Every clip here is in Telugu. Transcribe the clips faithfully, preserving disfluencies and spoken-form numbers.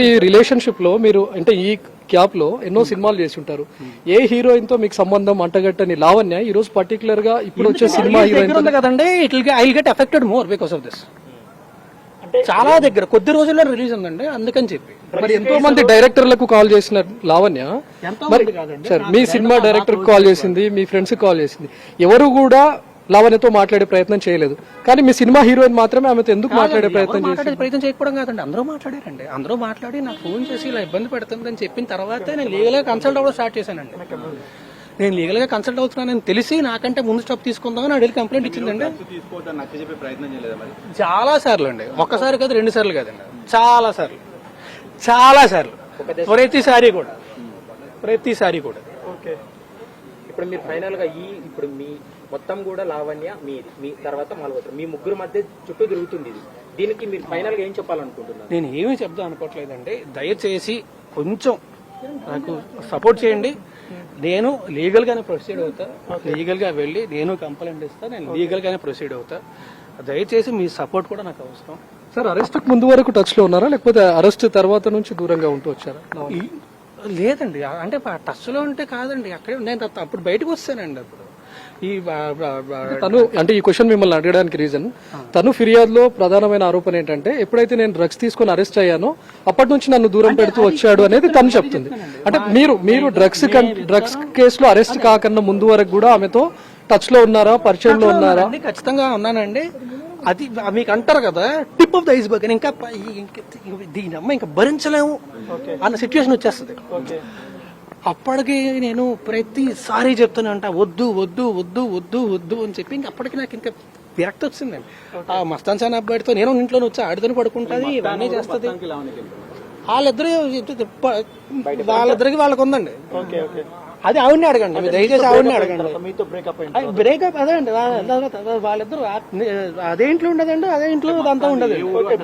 ఈ రిలేషన్షిప్ లో మీరు అంటే ఈ గ్యాప్ లో ఎన్నో సినిమాలు చేసి ఉంటారు. ఏ హీరోయిన్ తో మీకు సంబంధం అంటగట్టని లావణ్య ఈ రోజు పర్టికులర్ గా ఇప్పుడు వచ్చే సినిమా హీరోయిన్ కదండి, it I get affected more because of this. చాలా దగ్గర కొద్ది రోజుల్లో రిలీజ్ ఉందండి, అందుకని చెప్పి. మరి ఎంతో మంది డైరెక్టర్లకు కాల్ చేసిన లావణ్య మరి సార్ మీ సినిమా డైరెక్టర్ కాల్ చేసింది, మీ ఫ్రెండ్స్ కాల్ చేసింది, ఎవరు కూడా లావణ్యతో మాట్లాడే ప్రయత్నం చేయలేదు. కానీ మీ సినిమా హీరోయిన్ మాత్రమే ఆమెతో ఎందుకు మాట్లాడే ప్రయత్నం చేసి ప్రయత్నం చేయకపోవడం కాదండి, అందరూ మాట్లాడారండి. అందరూ మాట్లాడి నాకు ఫోన్ చేసి ఇలా ఇబ్బంది పెడుతుందని చెప్పిన తర్వాత నేను లీగల్ గా కన్సల్ట్ అవ్వడం స్టార్ట్ చేశానండి. నేను లీగల్ గా కన్సల్ట్ అవుతున్నానని తెలిసి నాకంటే ముందు స్టాప్ తీసుకుందామని అడిగి కంప్లైంట్ ఇచ్చిందండి. చాలా సార్లు అండి, ఒక్కసారి కాదు, రెండు సార్లు కాదండి, చాలా సార్లు చాలా సార్లు ప్రతిసారి కూడా ప్రతిసారి కూడా ఓకే. ఇప్పుడు మీరు ఫైనల్ గా ఈ ఇప్పుడు మీ మొత్తం కూడా లావణ్య మీ మీ తర్వాత మాల్వత్ర మీ ముగ్గురు మధ్య చుట్టూ తిరుగుతుంది ఇది. దీనికి మీరు ఫైనల్ గా ఏం చెప్పాలనుకుంటున్నారు? నేను ఏమీ చెప్దాం అనుకోవట్లేదండి. దయచేసి కొంచెం నాకు సపోర్ట్ చేయండి. నేను లీగల్ గానే ప్రొసీడ్ అవుతా, లీగల్ గా వెళ్ళి నేను కంప్లైంట్ ఇస్తా, నేను లీగల్ గానే ప్రొసీడ్ అవుతా. దయచేసి మీ సపోర్ట్ కూడా నాకు అవసరం. సార్ అరెస్ట్ ముందు వరకు టచ్ లో ఉన్నారా, లేకపోతే అరెస్ట్ తర్వాత నుంచి దూరంగా ఉంటూ వచ్చారా? లేదండి, అంటే టచ్ లో ఉంటే కాదండి, అక్కడే నేను అప్పుడు బయటకు వస్తానండి. అప్పుడు ఈ తను అంటే ఈ క్వశ్చన్ మిమ్మల్ని అడగడానికి రీజన్, తను ఫిర్యాదులో ప్రధానమైన ఆరోపణ ఏంటంటే ఎప్పుడైతే నేను డ్రగ్స్ తీసుకుని అరెస్ట్ అయ్యానో అప్పటి నుంచి నన్ను దూరం పెడుతూ వచ్చాడు అనేది తను చెప్తుంది. అంటే మీరు మీరు డ్రగ్స్ డ్రగ్స్ కేసులో అరెస్ట్ కాకన్నా ముందు వరకు కూడా ఆమెతో టచ్ లో ఉన్నారా, పరిచయంలో ఉన్నారా? ఖచ్చితంగా ఉన్నానండి. అది మీకు అంటారు కదా టిప్ ఆఫ్ ద ఐస్బర్గ్ అని, ఇంకా దీని అమ్మ ఇంకా భరించలేము అన్న సిచ్యువేషన్ వచ్చేస్తుంది. అప్పటికి నేను ప్రతిసారి చెప్తూనే ఉంటా వద్దు వద్దు వద్దు వద్దు వద్దు అని చెప్పి ఇంక అప్పటికి నాకు ఇంకా విరక్తి వచ్చిందండి. ఆ మస్తాన్ సాన్ అబ్బాయితో నేను ఇంట్లో వచ్చి ఆడితోనే పడుకుంటుంది, ఇవన్నీ చేస్తుంది. వాళ్ళిద్దరు వాళ్ళిద్దరికి వాళ్ళకు ఉందండి. అది ఆవిడని అడగండి, దయచేసి ఆవిడని అడగండి. బ్రేకప్ అదే అండి, వాళ్ళిద్దరు అదే ఇంట్లో ఉండదండి, అదే ఇంట్లో అంతా ఉండదు.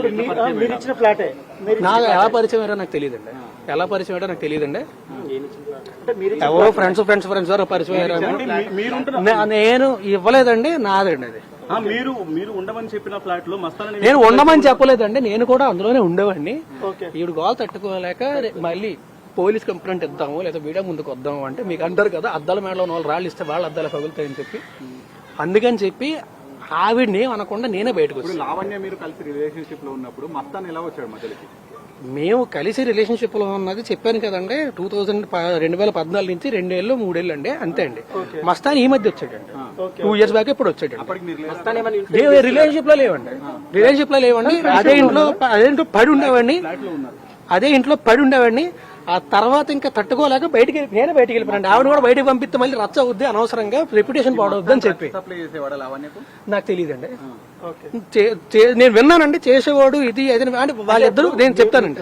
నాకు ఎలా పరిచయం అయ్యారో నాకు తెలియదండి, ఎలా పరిచయం అయ్యారో నాకు తెలియదండి. ఎవరో ఫ్రెండ్స్ ఫ్రెండ్స్ ఫ్రెండ్స్ ఎవరో పరిచయం అయ్యారు, నేను ఇవ్వలేదండి, నాదండి అది. మీరు మీరు ఉండమని చెప్పిన ఫ్లాట్ లో మస్తాన్ నేను ఉండమని చెప్పలేదండి, నేను కూడా అందులోనే ఉండేవాడిని. ఈవిడ గోల్ తట్టుకోలేక మళ్ళీ పోలీస్ కంప్లైంట్ ఇద్దాము లేదా మీడియా ముందుకు వద్దాము అంటే మీకు అంటారు కదా అద్దాల మేడలో ఉన్న వాళ్ళు రాళ్ళు ఇస్తే వాళ్ళ అద్దాలు పగులుతాయని చెప్పి, అందుకని చెప్పి ఆవిడని అనకుండా నేనే బయటకు వచ్చాను. లావణ్య మీరు కలిసి రిలేషన్షిప్ లో ఉన్నప్పుడు మస్తాన్ ఎలా వచ్చాడు మధ్యలోకి? మేము కలిసి రిలేషన్షిప్ లో ఉన్నది చెప్పాను కదండి, టూ థౌసండ్ రెండు వేల పద్నాలుగు నుంచి రెండేళ్ళు మూడేళ్ళు అండి, అంతే అండి. మస్తాన్ ఈ మధ్య వచ్చాడండి, టూ ఇయర్స్ బ్యాక్ ఇప్పుడు వచ్చాడు. రిలేషన్షిప్ లో లేవండి, రిలేషన్షిప్ లో లేవండి. అదే ఇంట్లో అదే ఇంట్లో పడి ఉండేవాడిని, అదే ఇంట్లో పడి ఉండేవాడిని. ఆ తర్వాత ఇంకా తట్టుకోలేక బయటికి నేనే బయటికి వెళ్ళిపోయాను. ఆవిడ కూడా బయటకు పంపిస్తే మళ్ళీ రచ్చ అవుద్ది, అనవసరంగా రెప్యుటేషన్ పాడవద్దు అని చెప్పి. నాకు తెలియదండి, నేను విన్నానండి చేసేవాడు ఇది అది అంటే వాళ్ళిద్దరు, నేను చెప్తానండి.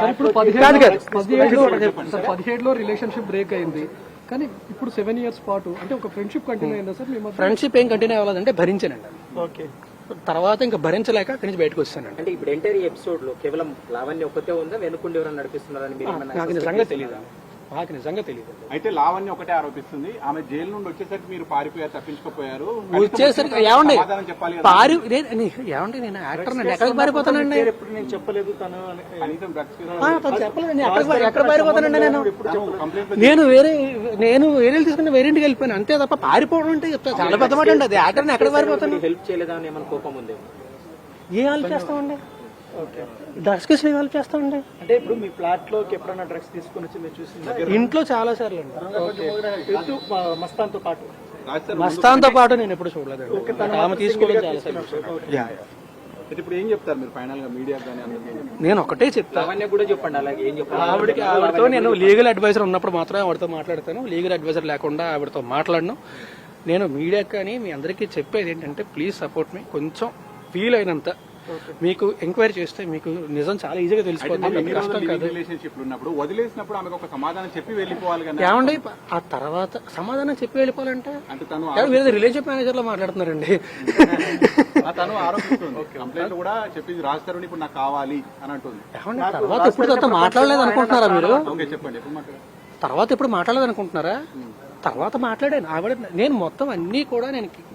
పదిహేడులో రిలేషన్షిప్ బ్రేక్ అయింది, కానీ ఇప్పుడు సెవెన్ ఇయర్స్ పాటు అంటే ఒక ఫ్రెండ్షిప్ కంటిన్యూ అయిందా సార్? ఫ్రెండ్షిప్ ఏం కంటిన్యూ అవ్వలేదంటే భరించానండి. ఓకే, తర్వాత ఇంకా భరించలేక అక్కడి నుంచి బయటకు వస్తానండి. అంటే ఇప్పుడు ఎంటైర్ ఎపిసోడ్ లో కేవలం లావణ్య ఒక్కతే ఉందా, వెనుకుండి ఎవరైనా నడిపిస్తున్నారని నాకు నిజంగా తెలియదు, నాకు నిజంగా తెలియదు. అయితే లావణ్య ఒకటే ఆరోపిస్తుంది, ఆమె జైలు నుండి వచ్చేసరికి మీరు పారిపోయారు, తప్పించుకోపోయారు. వచ్చేసరికి ఏమండి పారి ఏమండి నేను యాక్టర్ నండి, ఎక్కడికి పారిపోతానండి? నేను చెప్పలేదు, తను చెప్పలేదు, ఎక్కడ పారిపోతానండి నేను? నేను వేరే నేను వేరే తీసుకుని వేరే ఇంటికి వెళ్ళిపోయాను అంతే తప్ప పారిపోవడం అంటే చెప్తా చాలా పెద్ద మాట అండి. అది యాక్టర్ ఎక్కడ పారిపోతాను? హెల్ప్ చేయలేదా అని ఏమైనా కోపం ఉంది? ఏం హెల్ప్ చేస్తామండి, డ్రగ్స్ కేసు హెల్ప్ చేస్తామండి. అంటే ఇప్పుడు మీ ఫ్లాట్ లో ఎప్పుడైనా డ్రగ్స్ తీసుకుని వచ్చి మీరు చూసి ఇంట్లో చాలా సార్లు అండి, మస్తాన్ తో పాటు మస్తాన్ తో పాటు నేను ఎప్పుడు చూడలేదండి, ఆమె తీసుకోవడం చాలా సార్లు. ఇప్పుడు ఏం చెప్తారు మీరు ఫైనల్ గా మీడియా కానీ? నేను ఒకటే చెప్తాను, అవన్నీ కూడా చెప్పండి. అలాగే ఏం చెప్పాలి? ఆవిడకి ఆవిడతో నేను లీగల్ అడ్వైజర్ ఉన్నప్పుడు మాత్రమే ఆవిడతో మాట్లాడతాను, లీగల్ అడ్వైజర్ లేకుండా ఆవిడతో మాట్లాడను. నేను మీడియా కానీ మీ అందరికీ చెప్పేది ఏంటంటే ప్లీజ్ సపోర్ట్ మీ. కొంచెం ఫీల్ అయినంత మీకు ఎంక్వైరీ చేస్తే మీకు నిజం చాలా ఈజీగా తెలిసిపోతుంది. కష్టం కాదు. రిలేషన్షిప్ ఉన్నప్పుడు వదిలేసినప్పుడు ఆమెకు ఒక సమాధానం చెప్పి వెళ్ళిపోవాలి కదా. ఏమండి ఆ తర్వాత సమాధానం చెప్పి వెళ్ళిపోవాలంటే వేరే రిలేషన్షిప్ మేనేజర్ లో మాట్లాడుతున్నారండి. తను ఆరోపిస్తుంది, కంప్లైంట్ కూడా చెప్పింది రాస్తారు ఇప్పుడు నాకు కావాలి అని అంటుంది. తర్వాత ఎప్పుడు తర్వాత మాట్లాడలేదు అనుకుంటున్నారా మీరు? చెప్పండి, తర్వాత ఎప్పుడు మాట్లాడలేదు అనుకుంటున్నారా? తర్వాత మాట్లాడాను ఆవిడ, నేను మొత్తం అన్ని కూడా నేను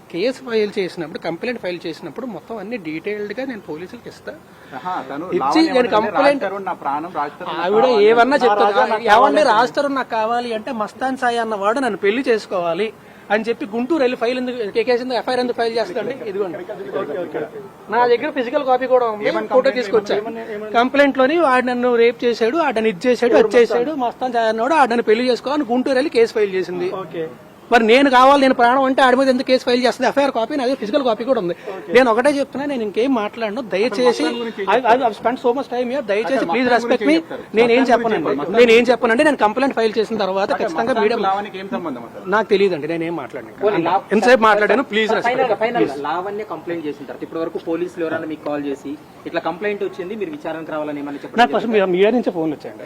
కేసు ఫైల్ చేసినప్పుడు కంప్లైంట్ ఫైల్ చేసినప్పుడు మొత్తం అన్ని డీటెయిల్డ్ గా నేను పోలీసులకు ఇస్తా. ఆహా, తను ఇచ్చి లావణ్య నేను ఏమంటుంది? కంప్లైంట్ రాజ్ తరుణ్ నా ప్రాణం, రాజ్ తరుణ్ నా ఆవిడ కావాలి. ఏమన్నా చెప్తాను. ఏమంటే రాస్తారు నాకు కావాలి అంటే మస్తాన్ సాయి అన్నవాడు నన్ను పెళ్లి చేసుకోవాలి అని చెప్పి గుంటూరు వెళ్ళి ఫైల్ ఎందుకు కేకేసింది ఎఫ్ఐఆర్ ఎందుకు ఫైల్ చేస్తాండి? ఇదిగోండి నా దగ్గర ఫిజికల్ కాపీ కూడా ఉంది, ఫోటో తీసుకొచ్చా. కంప్లైంట్ లోని వాడు నన్ను రేప్ చేశాడు, ఆడని ఇది చేశాడు, అది చేశాడు, మస్తాన్ సాయి అన్నాడు, ఆడని పెళ్లి చేసుకోవాలని గుంటూరు వెళ్ళి కేసు ఫైల్ చేసింది. మరి నేను కావాలి, నేను ప్రాణం అంటే ఆడి మీద ఎందుకు కేసు ఫైల్ చేస్తుంది? ఎఫ్ఐఆర్ కాపీ అదే ఫిజికల్ కాపీ కూడా ఉంది. నేను ఒకటే చెప్తున్నా, నేను ఇంకేం మాట్లాడను. దయచేసి spend so much time here, దయచేసి ప్లీజ్ రెస్పెక్ట్ మీ. నేనేం చెప్పనండి, నేనేం చెప్పనండి. నేను కంప్లైంట్ ఫైల్ చేసిన తర్వాత ఖచ్చితంగా మీడియా లావణ్యకి ఏం సంబంధం అసలు? నాకు తెలియదండి, నేనేం మాట్లాడాను, ఎంతసేపు మాట్లాడాను. Please final final Lavanya complaint చేసిన తర్వాత ఇప్పటి వరకు పోలీసులు ఎవరైనా మీకు కాల్ చేసి ఇట్లా కంప్లైంట్ వచ్చింది మీరు విచారణకు రావాలని ఏమని చెప్పండి? నాకు ఫస్ట్ మీడియా నుంచే ఫోన్లు వచ్చాయండి,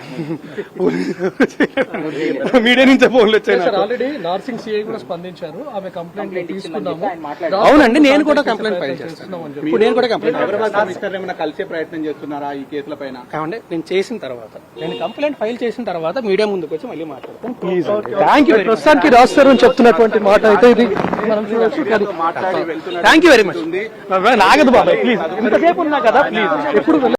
మీడియా నుంచే ఫోన్లు వచ్చాయి. ఆల్రెడీ నార్సింగ్ సిఐ కూడా స్పందించారు, ఆమె కంప్లైంట్ తీసుకున్నాము. అవునండి, నేను కూడా కంప్లైంట్ ఫైల్ చేస్తాను. ఇప్పుడు నేను కూడా కంప్లైంట్ హైదరాబాద్ కమిషనర్ ఏమైనా కలిసే ప్రయత్నం చేస్తున్నారా ఈ కేసుల పైన? కావండి, నేను చేసిన తర్వాత, నేను కంప్లైంట్ ఫైల్ చేసిన తర్వాత మీడియా ముందుకు వచ్చి మళ్ళీ మాట్లాడతాను. Please, thank you. ప్రస్తుతానికి రాస్తారు అని చెప్తున్నటువంటి మాట అయితే ఇది మనం చూడొచ్చు. కానీ మాట్లాడి వెళ్తున్నారు. Thank you very much. నాగదు బాబాయ్, ప్లీజ్, ఇంతసేపు ఉన్నా కదా, ప్లీజ్ ఎప్పుడు